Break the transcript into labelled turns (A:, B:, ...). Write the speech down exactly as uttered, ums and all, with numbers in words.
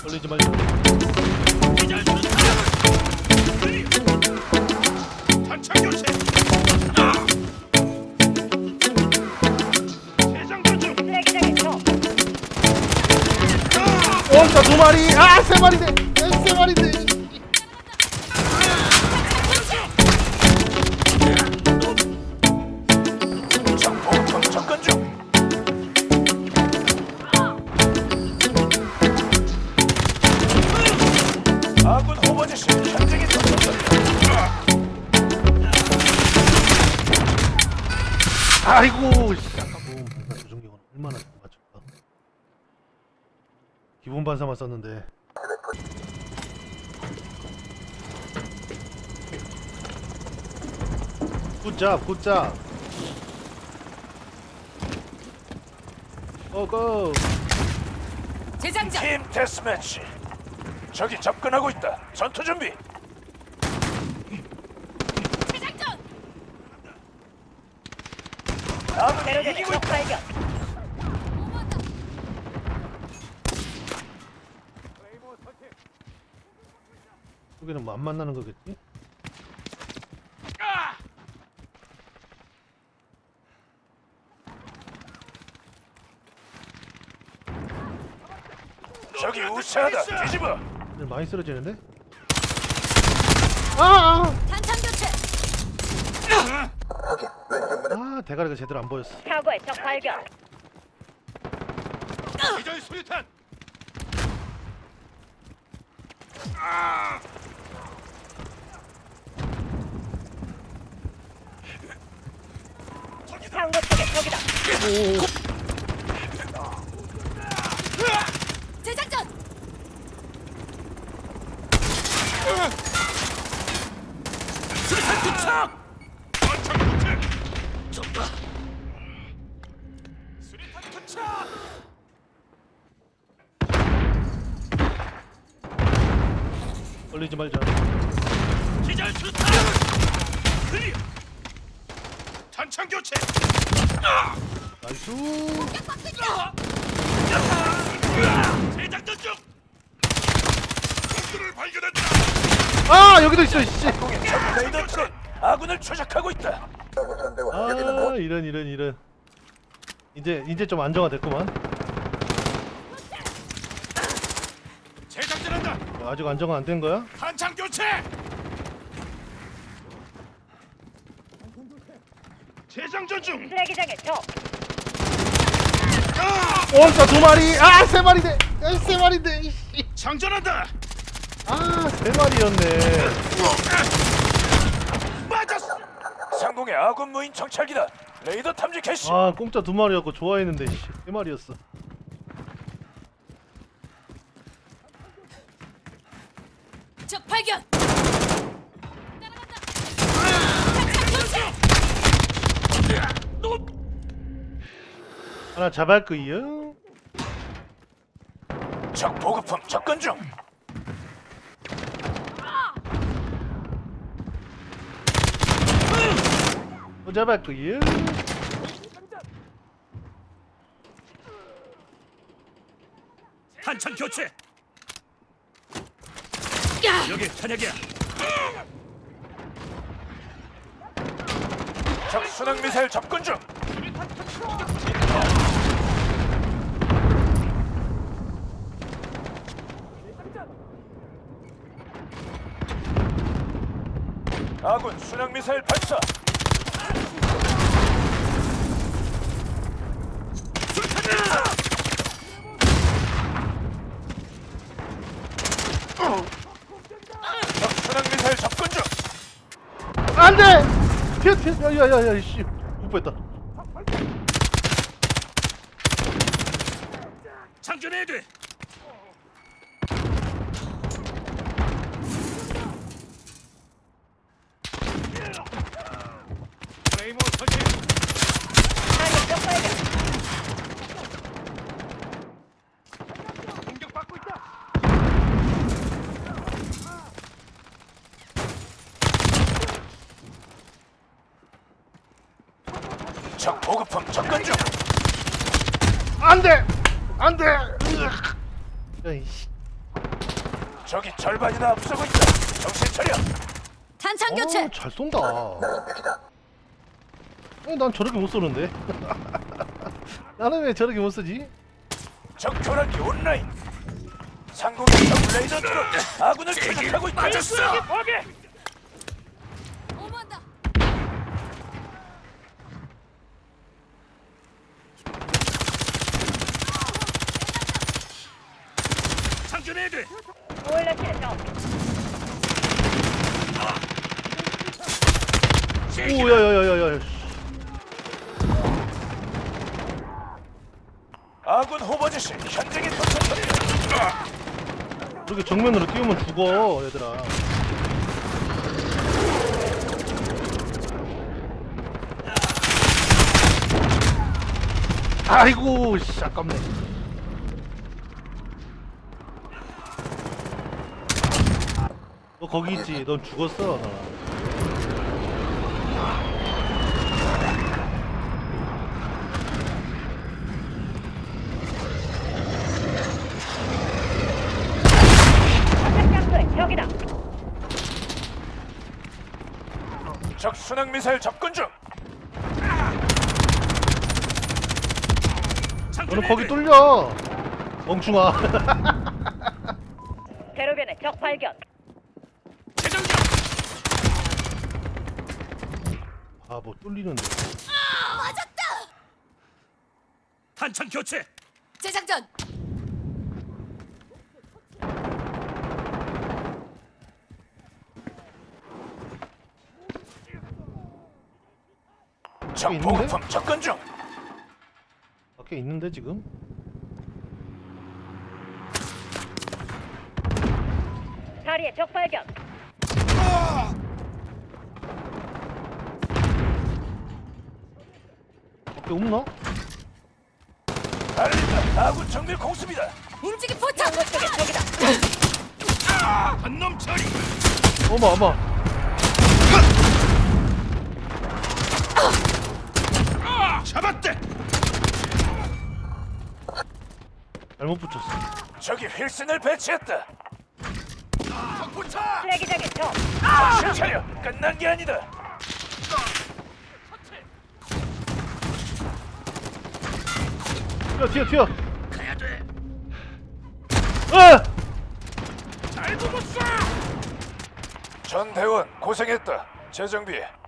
A: 걸리지 말자.
B: 단창 교체. 대장전 중.
C: 쓰레기장에 쳐.
A: 원자 두 마리. 아, 세 마리네. 아, 세 마리네.
B: 적 보급품 접근 중. 아군 호버지시 현장에 도착했다.
A: 아이고, 씨. 아까 뭐 조종경은 얼마나 맞췄다. 기본 반사만 썼는데. 굿잡, 굿잡. 고고.
C: 재장전.
B: 팀 데스매치. 적이 접근하고 있다. 전투 준비.
C: 재장전.
B: 아군이
C: 대로전에
B: 이기고
C: 적
B: 있다.
C: 발견.
A: 여기는 뭐 안 만나는 거겠지?
B: 적이 우세하다. 뒤집어.
A: 오늘 많이 쓰러지는데? 아!
C: 탄창 교체.
A: 아, 아 대가리가 제대로 안 보였어.
C: 사고의 적 발견.
B: 기절 수류탄.
C: 상고 쪽에 적이다. 재장전.
B: 수류탄 투척. 전창 교체. 좁다. 수류탄 투척.
A: 걸리지 말자.
B: 기절 수류탄. 클리어. 탄창 교체.
A: 나이스.
B: 재장전 중. 적들을 발견했다.
A: 아, 여기도 있어, 씨.
B: 레이더트는 아군을 추적하고 있다.
A: 아, 이런 이런 이런. 이제 이제 좀 안정화 됐구만.
B: 재장전한다.
A: 어, 아직 안정화 안 된 거야?
B: 탄창 교체. 재장전 중.
C: 쓰레기장에 쳐.
A: 원자 두 마리. 아, 세 마리네. 아, 세 마리네. 씨.
B: 장전한다.
A: 아, 세 마리였네.
B: 맞았어. 상공의 아군 무인 정찰기다. 레이더 탐지 캐시.
A: 아, 공짜 두 마리였고 좋아했는데 씨, 세 마리였어.
C: 적 발견.
A: 하나 잡을 거요.
B: 적 보급품 접근 중.
A: 또 잡을 거요.
B: 탄창 교체. 여기 탄약이야. 적 순항 미사일 접근 중. 아군 순항 미사일 발사. 적 순항 미사일 접근 중.
A: 안 돼. 피해 피해. 야야야야 씨. 못 뺐다.
B: 장전해야 돼. 레이모 설치.
C: 상고 적 발견.
B: 공격받고 있다. 적 보급품 접근 중.
A: 안 돼. 안 돼. 으악. 야이씨.
B: 적이 절반이나 앞서고 있다. 정신 차려.
C: 탄창 교체.
A: 어, 잘 쏜다. 아니, 난 저렇게 못 쏘는데. 나는 왜 저렇게 못 쓰지?
B: 적 교란기 온라인. 상공의 적 레이더 트럭 아군을 추적하고 있다. 맞았어.
C: 오만다.
B: 장전해야 돼.
C: 올라치는 점.
A: 오, 야야야야야.
B: 아군 호버지시 현장에 도착합니다.
A: 이렇게 정면으로 뛰우면 죽어, 얘들아. 아이고, 씨, 아깝네. 너 거기 있지? 넌 죽었어, 나.
C: 여기다.
B: 적 순항 미사일 접근 중.
A: 너는 거기 뚫려, 멍충아.
C: 대로변에 적 발견.
B: 재장전.
A: 아, 뭐 뚫리는데.
C: 아, 맞았다.
B: 탄창 교체.
C: 재장전.
B: 적
A: 있는데?
B: 보급품 접근 중.
A: 밖에 있는데 지금?
C: 다리에 적 발견.
A: 밖에 없나?
B: 알린다. 아군 정밀 공습이다.
C: 움직임 포착. 쪽에 적이다.
B: 한놈 처리.
A: 어머 어머.
B: 잡았대.
A: 잘못 붙였어.
B: 저기 휠슨을 배치했다. 적부차.
C: 쓰레기장에 적.
B: 정신 차려. 끝난 게 아니다.
A: 튀어 튀어 튀어.
B: 가야 돼.
A: 아!
B: 잘 보고 쏴. 전 대원 고생했다. 재정비